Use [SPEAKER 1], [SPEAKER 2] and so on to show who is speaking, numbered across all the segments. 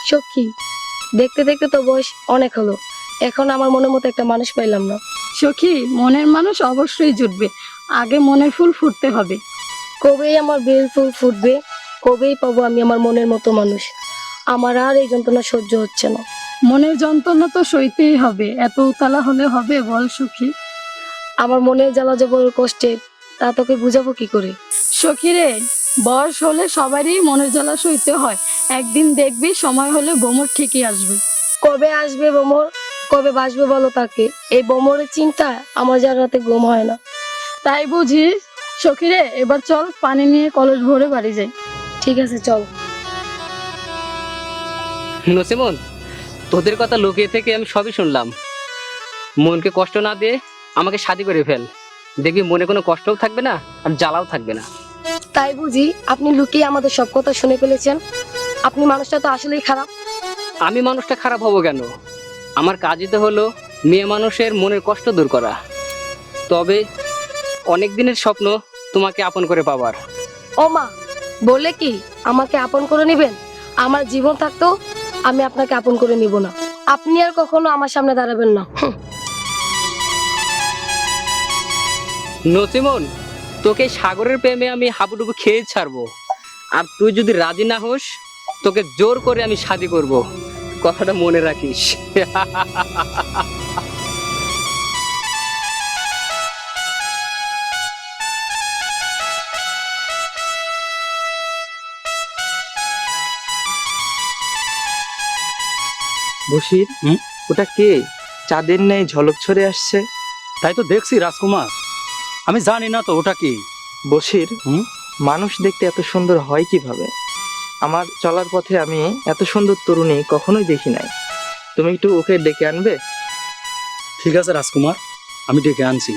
[SPEAKER 1] সখী, দেখতে দেখতে তো বয়স অনেক হলো, এখন আমার মনের মতো একটা মানুষ পাইলাম না।
[SPEAKER 2] সখী, মনের মানুষ অবশ্যই জুটবে, আগে মনের ফুল ফুটতে হবে।
[SPEAKER 1] কবেই আমার বেল ফুল ফুটবে, কবেই পাবো আমি আমার মনের মতো মানুষ। আমার আর এই যন্ত্রণা সহ্য হচ্ছে না।
[SPEAKER 2] মনের যন্ত্রণা তো সইতেই হবে, এত উতলা হলে হবে বল সখী?
[SPEAKER 1] আমার মনের জ্বালা যে বড় কষ্টের, তা তোকে বুঝাবো কি করে?
[SPEAKER 2] সখী রে, বয়স হলে সবারই মনের জ্বালা সইতে হয়, একদিন দেখবি সময় হলে ভ্রমর ঠিকই আসবে।
[SPEAKER 1] কবে আসবে বোমর, কবে বাসবে বলো তাকে? এই বোমরের চিন্তায় আমার যা রাতে ঘুম হয় না।
[SPEAKER 2] তাই বুঝি? সখী রে, এবার চল পানি নিয়ে কলস ভরে বাড়ি যাই।
[SPEAKER 1] ঠিক আছে, চল।
[SPEAKER 3] নসিমন, তোদের কথা লুকিয়ে থেকে আমি সবই শুনলাম। মনকে কষ্ট না দিয়ে আমাকে শাদি করে ফেল, দেখবি মনে কোনো কষ্টও থাকবে না আর জ্বালাও থাকবে না।
[SPEAKER 1] তাই বুঝি আপনি লুকিয়ে আমাদের সব কথা শুনে ফেলেছেন? আপনি মানুষটা তো আসলেই খারাপ।
[SPEAKER 3] আমি মানুষটা খারাপ হব কেন? আমার কাজই তো হলো মেয়ে মানুষের মনের কষ্ট দূর করা। তবে অনেক দিনের স্বপ্ন তোমাকে আপন করে পাবার।
[SPEAKER 1] ও মা, বলে কি আমাকে আপন করে নেবেন? আমার জীবন থাকতো আমি আপনাকে আপন করে নিব না। আপনি আর কখনো আমার সামনে দাঁড়াবেন না।
[SPEAKER 3] নসিমন, তোকে সাগরের প্রেমে আমি হাবুডুবু খেয়ে ছাড়বো, আর তুই যদি রাজি না হোস তোকে জোর করে আমি শাদি করব। কথাটা মনে রাখিস।
[SPEAKER 4] বশির, ওটা কে? চাঁদের ন্যায় ঝলক ছড়ে আসছে।
[SPEAKER 5] তাই তো দেখছি রাজকুমার, আমি জানি না তো ওটা কি।
[SPEAKER 4] বশির,
[SPEAKER 5] হুম?
[SPEAKER 4] মানুষ দেখতে এত সুন্দর হয় কিভাবে? আমার চলার পথে আমি এত সুন্দর তরুণী কখনোই দেখি নাই। তুমি একটু ওকে ডেকে আনবে?
[SPEAKER 5] ঠিক আছে রাজকুমার, আমি ডেকে আনছি।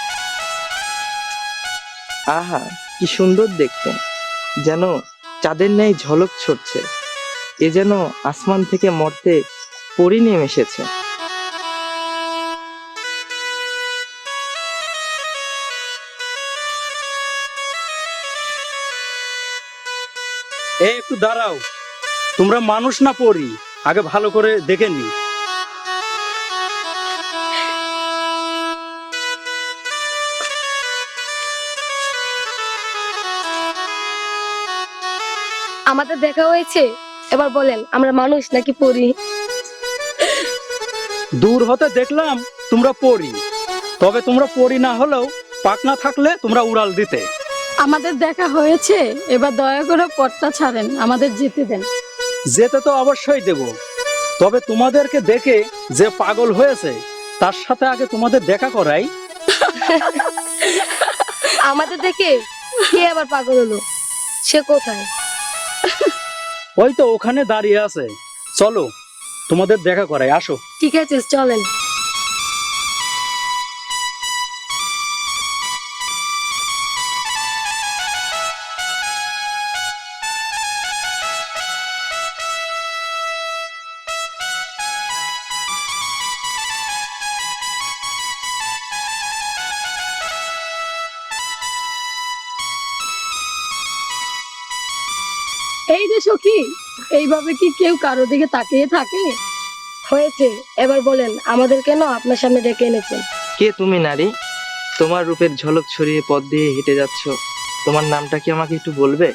[SPEAKER 4] আহা, কি সুন্দর দেখতে, যেন চাঁদের ন্যায় ঝলক ছড়ছে। এ যেন আসমান থেকে মর্তে পরি নেমে এসেছে।
[SPEAKER 5] একটু দাঁড়াও, তোমরা মানুষ না পড়ি আগে ভালো করে দেখে নি।
[SPEAKER 1] আমাদের দেখা হয়েছে, এবার বলেন আমরা মানুষ নাকি পরি?
[SPEAKER 5] দূর হতে দেখলাম তোমরা পড়ি, তবে তোমরা পড়ি না হলেও পাখনা থাকলে তোমরা উড়াল দিতে।
[SPEAKER 2] আমাদের দেখা হয়েছে, এবার দয়া করে পথটা ছাড়েন, আমাদের যেতে দেন।
[SPEAKER 5] যেতে তো অবশ্যই দেব, তবে তোমাদেরকে দেখে যে পাগল হয়েছে তার সাথে আগে তোমাদের দেখা করাই।
[SPEAKER 1] আমাদের দেখে কে আবার পাগল হলো? সে কোথায়?
[SPEAKER 5] ওই তো ওখানে দাঁড়িয়ে আছে, চলো তোমাদের দেখা করাই, আসো।
[SPEAKER 1] ঠিক আছে, চলেন।
[SPEAKER 2] এই যে সখী, এইভাবে কি কেউ কারো দিকে তাকিয়ে থাকে?
[SPEAKER 1] হয়েছে, এবার বলেন আমাদের কেন আপনার সামনে ডেকে এনেছেন?
[SPEAKER 4] কে তুমি নারী? তোমার রূপের ঝলক ছড়িয়ে পথ দিয়ে হেঁটে যাচ্ছ, তোমার নামটা কি আমাকে একটু বলবে?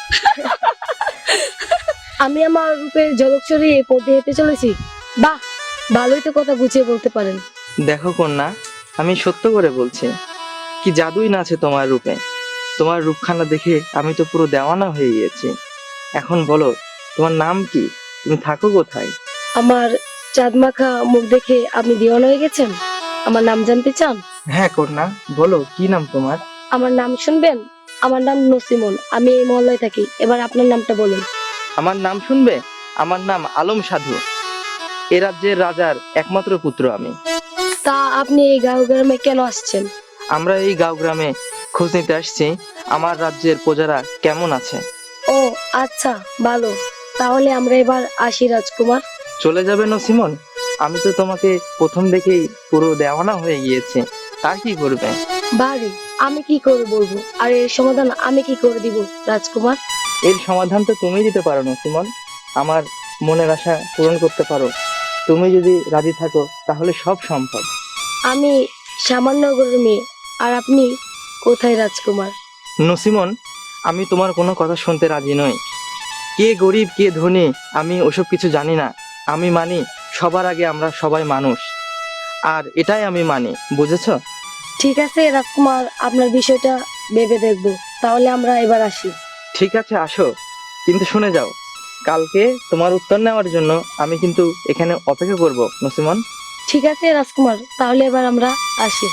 [SPEAKER 1] আমি আমার রূপের ঝলক ছড়িয়ে পথে হেঁটে চলেছি? বাহ, ভালোই তো কথা গুছিয়ে বলতে পারেন।
[SPEAKER 4] দেখো কন্যা, আমি সত্য করে বলছি, কি জাদুই না আছে তোমার রূপে। তোমার রূপখানা দেখে আমি তো পুরো দেওয়ানা হয়ে গিয়েছি। এখন বলো, তোমার নাম কি? তুমি থাকো কোথায়?
[SPEAKER 1] আমার চাঁদ মাখা মুখ দেখে আপনি দিওয়ানা হয়ে গেছেন? আমার নাম জানতে চান?
[SPEAKER 4] হ্যাঁ কন্যা, বলো কি নাম তোমার?
[SPEAKER 1] আমার নাম শুনবেন? আমার নাম নসিমন, আমি এই মহল্লায় থাকি। এবার আপনার নামটা বলুন।
[SPEAKER 4] আমার নাম শুনবে? আমার নাম আলম সাধু। এ রাজ্যের রাজার একমাত্র পুত্র আমি।
[SPEAKER 1] তা আপনি এই গাঁও গ্রামে কেন আসছেন?
[SPEAKER 4] আমরা এই গাঁও গ্রামে খোঁজ নিতে আসছি আমার রাজ্যের প্রজারা কেমন আছে।
[SPEAKER 1] ও আচ্ছা, ভালো। তাহলে আমরা এবার আসি রাজকুমার।
[SPEAKER 4] চলে যাবে নসিমন? আমি তো তোমাকে প্রথম দেখেই পুরো দেওয়ানা হয়ে গিয়েছি। তা কি করবে?
[SPEAKER 1] বাড়ি আমি কি করে বলবো, আর এর সমাধান আমি কি করে দিব রাজকুমার?
[SPEAKER 4] এর সমাধান তো তুমি দিতে পারো নসিমন। আমার মনের আশা পূরণ করতে পারো। তুমি যদি রাজি থাকো তাহলে সব সম্ভব।
[SPEAKER 1] আমি সামান্য গরুর মেয়ে, আর আপনি কোথায় রাজকুমার?
[SPEAKER 4] নসিমন, আমি তোমার কোনো কথা শুনতে রাজি নই। কে গরিব কে ধনী আমি ওসব কিছু জানি না। আমি মানি সবার আগে আমরা সবাই মানুষ, আর এটাই আমি মানি, বুঝেছো?
[SPEAKER 1] ঠিক আছে রাজকুমার, আপনার বিষয়টা ভেবে দেখবো। তাহলে আমরা এবার আসি।
[SPEAKER 4] ঠিক আছে, আসো, কিন্তু শুনে যাও, কালকে তোমার উত্তর নেওয়ার জন্য আমি কিন্তু এখানে অপেক্ষা করব নসিমন।
[SPEAKER 1] ঠিক আছে রাজকুমার, তাহলে এবার আমরা আসি।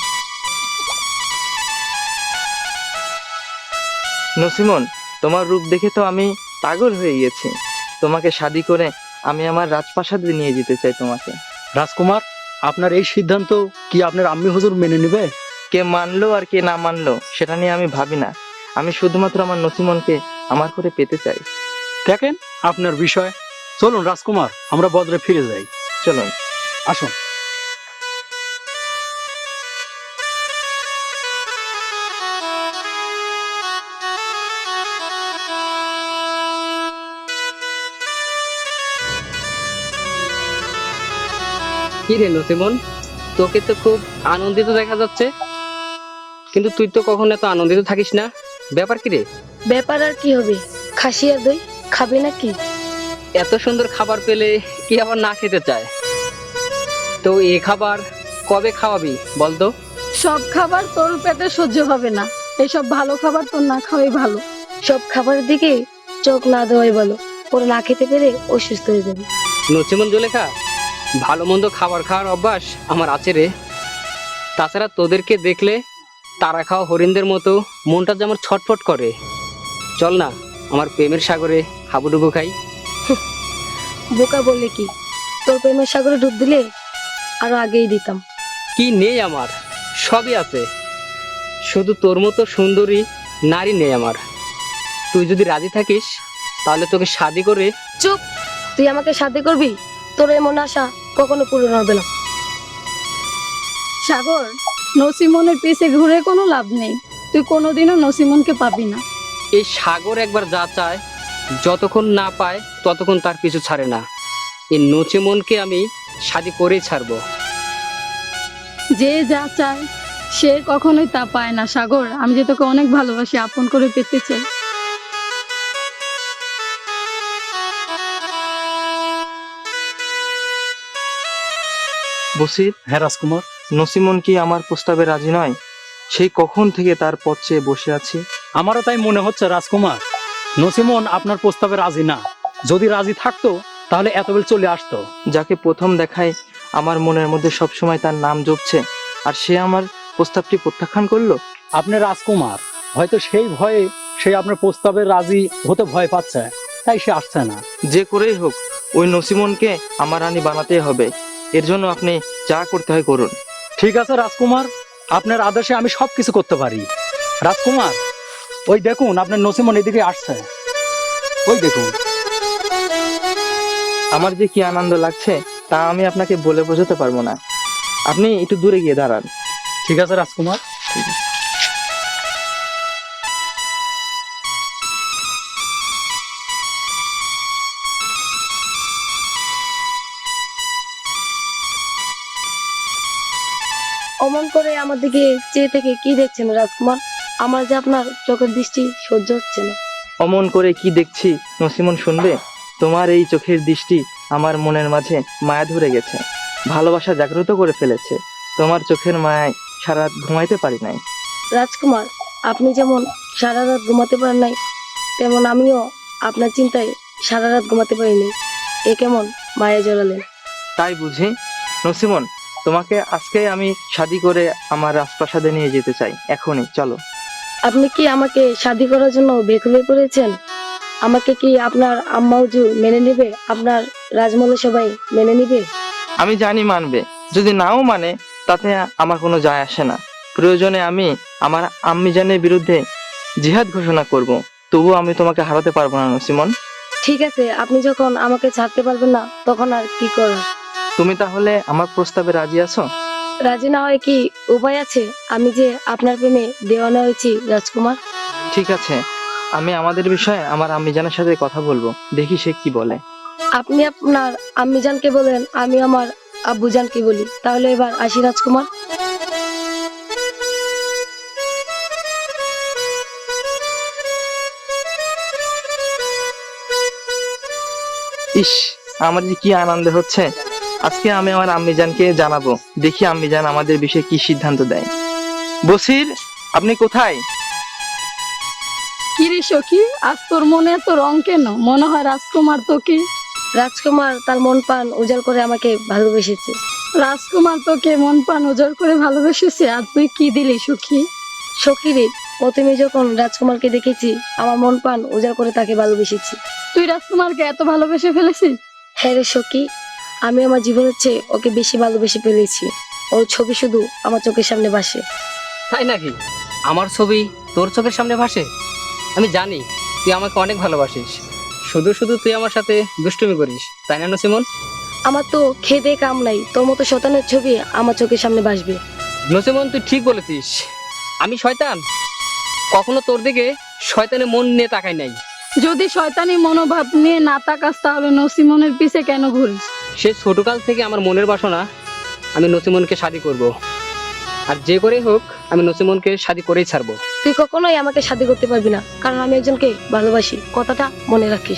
[SPEAKER 4] নসিমন, তোমার রূপ দেখে তো আমি পাগল হয়ে গেছি। তোমাকে শাদি করে আমি আমার রাজপ্রাসাদে নিয়ে যেতে চাই তোমাকে।
[SPEAKER 5] রাজকুমার, আপনার এই সিদ্ধান্ত কি আপনার আম্মি হুজুর মেনে নেবে?
[SPEAKER 4] কে মানলো আর কে না মানলো সেটা নিয়ে আমি ভাবি না। আমি শুধুমাত্র আমার নসিমনকে আমার করে পেতে চাই।
[SPEAKER 5] দেখেন আপনার বিষয়। চলুন রাজকুমার, আমরা বদরে ফিরে যাই।
[SPEAKER 4] চলুন।
[SPEAKER 5] আসুন।
[SPEAKER 3] কি রে নসিমন, তোকে তো খুব আনন্দিত দেখা যাচ্ছে, কিন্তু তুই তো কখনো এত আনন্দিত থাকিস না। ব্যাপার কি রে?
[SPEAKER 1] ব্যাপার আর কি হবে, খাসি আর দই খাবে নাকি?
[SPEAKER 3] এত সুন্দর খাবার পেলে কি আবার না খেতে চায়? তো এই খাবার কবে খাওয়াবি বলতো?
[SPEAKER 2] সব খাবার তোর পেটে সহ্য হবে না। এসব ভালো খাবার তোর না খাওয়াই ভালো।
[SPEAKER 1] সব খাবারের দিকে চোখ না দেওয়াই ভালো, ওরা না খেতে পেরে অসুস্থ হয়ে যাবে।
[SPEAKER 3] নসিমন জুলেখা, ভালো মন্দ খাবার খাওয়ার অভ্যাস আমার আছে রে। তাছাড়া তোদেরকে দেখলে তারা খাওয়া হরিণদের মতো মনটা যে আমার ছটফট করে। চল না, আমার প্রেমের সাগরে হাবুডুবু খাই।
[SPEAKER 1] বোকা বললে কি, তোর প্রেমের সাগরে ডুব দিলে আরো আগেই দিতাম।
[SPEAKER 3] কি নেই আমার? সবই আছে, শুধু তোর মতো সুন্দরী নারী নেই আমার। তুই যদি রাজি থাকিস তাহলে তোকে শাদি করে।
[SPEAKER 1] চুপ, তুই আমাকে শাদি করবি? তোর এমন আশা কখনো পূরণ হবে না।
[SPEAKER 2] সাগর, নসিমনের পিছে ঘুরে কোনো লাভ নেই। তুই কোনোদিনও নসিমনকে পাবি না।
[SPEAKER 3] এই সাগর একবার যা চায়, যতক্ষণ না পায় ততক্ষণ তার পিছু ছাড়ে না। এই নচিমনকে আমি শাদি করেই ছাড়বো।
[SPEAKER 2] যে যা চায় সে কখনোই তা পায় না। সাগর, আমি যে তোকে অনেক ভালোবাসি, আপন করে পেতে চাই।
[SPEAKER 4] বসির,
[SPEAKER 5] হ্যাঁ রাজকুমার।
[SPEAKER 4] নসিমন কি আমার প্রস্তাবে রাজি নয়? সেই কখন থেকে তার পথ চেয়ে বসে আছি।
[SPEAKER 5] আমারও তাই মনে হচ্ছে রাজকুমার, নসিমন আপনার প্রস্তাবে রাজি না। যদি রাজি থাকতো তাহলে এতবেল চলে আসতো।
[SPEAKER 4] যাকে প্রথম দেখায় আমার মনের মধ্যে সবসময় তার নাম জপছে, আর সে আমার প্রস্তাবটি প্রত্যাখ্যান করলো।
[SPEAKER 5] আপনি রাজকুমার, হয়তো সেই ভয়ে সে আপনার প্রস্তাবে রাজি হতে ভয় পাচ্ছে, তাই সে আসছে না।
[SPEAKER 4] যে করেই হোক ওই নসিমনকে আমার রানী বানাতেই হবে। এর জন্য আপনি যা করতে হয় করুন।
[SPEAKER 5] ঠিক আছে রাজকুমার, আপনার আদেশে আমি সবকিছু করতে পারি। রাজকুমার, ওই দেখুন আপনার নসিমন এদিকে আসছে, ওই দেখুন।
[SPEAKER 4] আমার যে কি আনন্দ লাগছে তা আমি আপনাকে বলে বোঝাতে পারবো না। আপনি একটু দূরে গিয়ে দাঁড়ান।
[SPEAKER 5] ঠিক আছে রাজকুমার।
[SPEAKER 1] অমন করে আমার দিকে চেয়ে থেকে কি দেখছেন রাজকুমার? আমার যে আপনার চোখের দৃষ্টি সহ্য হচ্ছে না।
[SPEAKER 4] অমন করে কি দেখছি নসিমন শুনবে? তোমার এই চোখের দৃষ্টি আমার মনের মাঝে মায়া ধরে গেছে, ভালোবাসা জাগ্রত করে ফেলেছে। তোমার চোখের মায়ায় সারা রাত ঘুমাইতে পারি নাই।
[SPEAKER 1] রাজকুমার, আপনি যেমন সারা রাত ঘুমাতে পারেন নাই, তেমন আমিও আপনার চিন্তায় সারা রাত ঘুমাতে পারিনি। এ কেমন মায়া জড়ালেন?
[SPEAKER 4] তাই বুঝি? নসিমন, তোমাকে আজকে আমি শাদি করে আমার রাজপ্রাসাদে নিয়ে যেতে চাই, এখনই চলো।
[SPEAKER 1] আপনি কি আমাকে শাদি করার জন্য বেকুল হয়ে পড়েছেন? আমাকে কি আপনার আম্মা হুজুর মেনে নেবে? আপনার রাজমহলে সবাই মেনে নেবে?
[SPEAKER 4] আমি জানি মানবে, যদি নাও মানে তাতে আমার কোনো যায় আসে না। প্রয়োজনে আমি আমার আম্মি জানের বিরুদ্ধে জিহাদ ঘোষণা করব, তবুও আমি তোমাকে হারাতে পারবো না নসিমন।
[SPEAKER 1] ঠিক আছে, আপনি যখন আমাকে ছাড়তে পারবেন না তখন আর কি করার?
[SPEAKER 4] তুমি তাহলে আমার প্রস্তাবে রাজি আছো?
[SPEAKER 1] রাজি না হয় কি উপায় আছে? আমি যে আপনার প্রেমে দেওয়ানা হয়েছি রাজকুমার।
[SPEAKER 4] ঠিক আছে, আমি আমাদের বিষয়ে আমার আম্মি জানের সাথে কথা বলবো, দেখি সে কি বলে।
[SPEAKER 1] আপনি আপনার আম্মিজানকে বলেন, আমি আমার আব্বুজানকে বলি। তাহলে এবার আসি রাজকুমার।
[SPEAKER 4] ইস, আমার যে কি আনন্দ হচ্ছে। আজকে আমি আমার আম্মিজানকে জানাবো, দেখি আম্মিজান আমাদের বিষয়ে কি সিদ্ধান্ত দেয়। বসির, আপনি কোথায়?
[SPEAKER 2] কি রে সখী, আজ তোর মনে এত রং কেন? মনে হয় রাজকুমার তোকে
[SPEAKER 1] রাজকুমার তার মন প্রাণ উজাড় করে আমাকে ভালোবেসেছে।
[SPEAKER 2] রাজকুমার তোকে মন প্রাণ উজাড় করে ভালোবেসেছে, আর তুই কি দিলি সখী?
[SPEAKER 1] সখীরে, প্রথমে যখন রাজকুমারকে দেখেছি আমার মন প্রাণ উজাড় করে তাকে ভালোবেসেছি।
[SPEAKER 2] তুই রাজকুমারকে এত ভালোবেসে ফেলেছিস?
[SPEAKER 1] হ্যাঁ রে সখী, আমি আমার জীবনের চেয়ে ওকে বেশি ভালোবেসে ফেলেছি। ওর ছবি শুধু আমার চোখের সামনে ভাসে।
[SPEAKER 3] তাই নাকি? আমার ছবি তোর চোখের সামনে ভাসে? আমি জানি তুই আমাকে অনেক ভালোবাসিস। শুধু শুধু তুই আমার সাথে দুষ্টুমি করিস, তাই না নসিমন?
[SPEAKER 1] আমার তো খেদে কাম নাই, তোর মতো শয়তানের ছবি আমার চোখের সামনে ভাসবে।
[SPEAKER 3] নসিমন, তুই ঠিক বলেছিস। আমি শয়তান? কখনো তোর দিকে শয়তানের মন নিয়ে তাকাই নাই।
[SPEAKER 2] যদি শয়তানি মনোভাব নিয়ে না তাকাস তাহলে নসিমনের পিছে কেন ঘুরিস?
[SPEAKER 3] সে ছোটকাল থেকে আমার মনের বাসনা, আমি নসিমনকে শাদি করব। আর যে করেই হোক আমি নসিমনকে শাদি করেই ছাড়বো।
[SPEAKER 1] তুই কখনোই আমাকে শাদি করতে পারবি না, কারণ আমি একজনকে ভালোবাসি। কথাটা মনে রাখিস।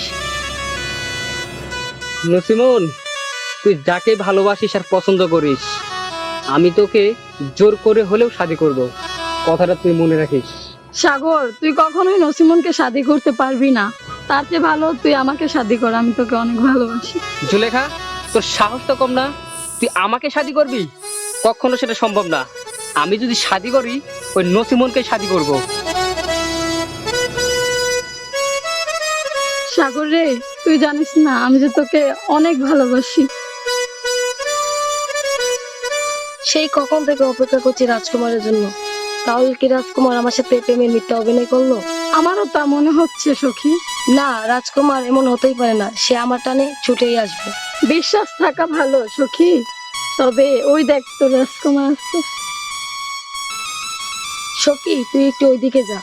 [SPEAKER 3] নসিমন, তুই যাকে ভালোবাসিস আর পছন্দ করিস, আমি তোকে জোর করে হলেও শাদি করব। কথাটা তুই মনে রাখিস।
[SPEAKER 2] সাগর, তুই কখনোই নসিমনকে শাদি করতে পারবি না। তার চেয়ে ভালো তুই আমাকে শাদি কর, আমি তোকে অনেক ভালোবাসি।
[SPEAKER 3] জুলেখা, তোর সাহস তো কম না? তুই আমাকে শাদি করবি? কখনো সেটা সম্ভব না। আমি যদি শাদি করি, ওই নসিমনকে শাদি করব।
[SPEAKER 2] সাগর রে, তুই জানিস না আমি যে তোকে অনেক ভালোবাসি।
[SPEAKER 1] সেই কখন থেকে অপেক্ষা করছি রাজকুমারের জন্য। তাহলে কি রাজকুমার আমার সাথে প্রেমের মিথ্যা অভিনয় করলো?
[SPEAKER 2] আমারও তা মনে হচ্ছে সখী।
[SPEAKER 1] না, রাজকুমার এমন হতেই পারে না। সে আমার টানে ছুটেই আসবে।
[SPEAKER 2] বিশ্বাস থাকা ভালো সখী। তবে ওই দেখ তোর রাজকুমার আসছে।
[SPEAKER 1] সখী, তুই একটু ওইদিকে যা।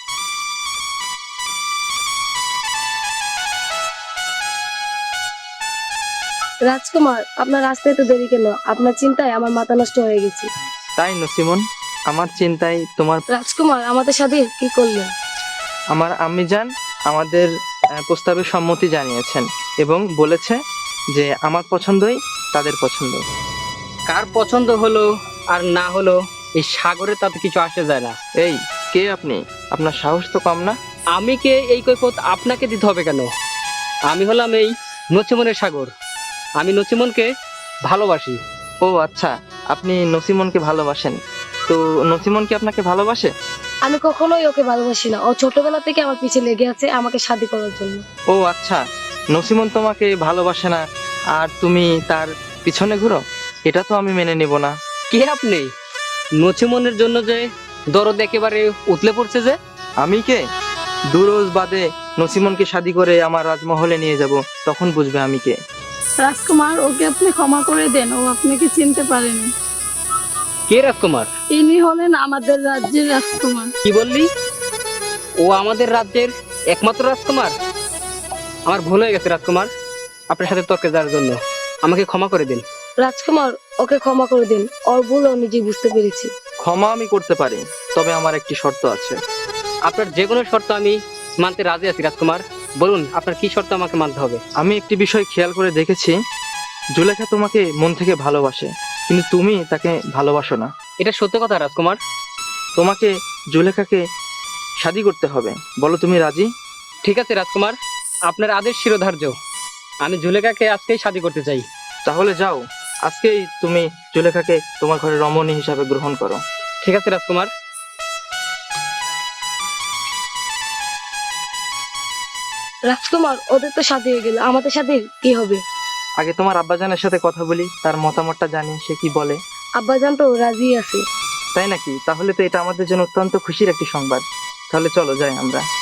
[SPEAKER 1] রাজকুমার, আপনার রাস্তায় তো দেরি কেন? আপনার চিন্তায় আমার মাথা নষ্ট হয়ে গেছে।
[SPEAKER 4] তাই নসিমন, আমার চিন্তায় তোমার
[SPEAKER 1] রাজকুমার আমাদের সাথে কি করলেন?
[SPEAKER 4] আমার আম্মিজান আমাদের প্রস্তাবে সম্মতি জানিয়েছেন এবং বলেছে যে আমার পছন্দই তাদের পছন্দ।
[SPEAKER 3] কার পছন্দ হলো আর না হলো এই সাগরে তাতে কিছু আসে যায় না।
[SPEAKER 4] এই, কে আপনি? আপনার সাহস তো কম না?
[SPEAKER 3] আমি কে এই কৈফিয়ত আপনাকে দিতে হবে কেন? আমি হলাম এই নসিমনের সাগর। আমি নসিমনকে ভালোবাসি।
[SPEAKER 4] ও আচ্ছা, আপনি নসিমনকে ভালোবাসেন। তো নসিমন কি আপনাকে ভালোবাসে?
[SPEAKER 1] আমি কখনোই ওকে ভালোবাসি না। ও ছোটবেলা থেকে আমার পিছে লেগে আছে আমাকে শাদি করার জন্য।
[SPEAKER 4] ও আচ্ছা, নসিমন তোমাকে ভালোবাসে না আর তুমি তার পিছনে ঘুরো? এটা তো আমি মেনে নিব না।
[SPEAKER 3] কে আপনি? নসিমনের জন্য যে দরদ একেবারে উতলে পড়ছে যে।
[SPEAKER 4] আমি কে? দুরোজ বাদে নসিমনকে শাদি করে আমার রাজমহলে নিয়ে যাব, তখন বুঝবে আমি কে।
[SPEAKER 2] রাজকুমার, ওকে আপনি ক্ষমা করে দেন, ও আপনাকে চিনতে পারেনি।
[SPEAKER 3] কে রাজকুমার?
[SPEAKER 2] ইনি হলেন আমাদের রাজ্যের রাজকুমার।
[SPEAKER 3] কি বললি? ও আমাদের রাজ্যের একমাত্র রাজকুমার? আমার ভুল হয়ে গেছে রাজকুমার, আপনার সাথে তর্কে যাওয়ার জন্য। আমাকে ক্ষমা করে দিন।
[SPEAKER 1] রাজকুমার, ওকে ক্ষমা করে দিন। ওর ভুল ও নিজে বুঝতে পেরেছি।
[SPEAKER 4] ক্ষমা আমি করতে পারি, তবে আমার একটি শর্ত আছে।
[SPEAKER 3] আপনার যে কোনো শর্ত আমি মানতে রাজি আছি রাজকুমার। বলুন, আপনার কি শর্ত আমাকে মানতে হবে?
[SPEAKER 4] আমি একটি বিষয় খেয়াল করে দেখেছি, জুলেখা তোমাকে মন থেকে ভালোবাসে, কিন্তু তুমি তাকে ভালোবাসো না।
[SPEAKER 3] এটা সত্য কথা রাজকুমার।
[SPEAKER 4] তোমাকে জুলেখাকে শাদি করতে হবে। বলো, তুমি রাজি?
[SPEAKER 3] ঠিক আছে রাজকুমার, আপনার আদেশ শিরোধার্য। আমি জুলেখাকে আজকেই শাদি করতে চাই।
[SPEAKER 4] তাহলে যাও, আজকেই তুমি জুলেখাকে তোমার ঘরে রমণী হিসাবে গ্রহণ করো।
[SPEAKER 3] ঠিক আছে রাজকুমার।
[SPEAKER 1] রাজকুমার, ওদের তো শাদি হয়ে গেল, আমাদের সাথে কি হবে?
[SPEAKER 4] আগে তোমার আব্বাজানের সাথে কথা বলি, তার মতামতটা জানি সে কি বলে।
[SPEAKER 1] আব্বাজান তো রাজি আছে।
[SPEAKER 4] তাই নাকি? তাহলে তো এটা আমাদের জন্য অত্যন্ত খুশির একটি সংবাদ। তাহলে চলো যাই আমরা।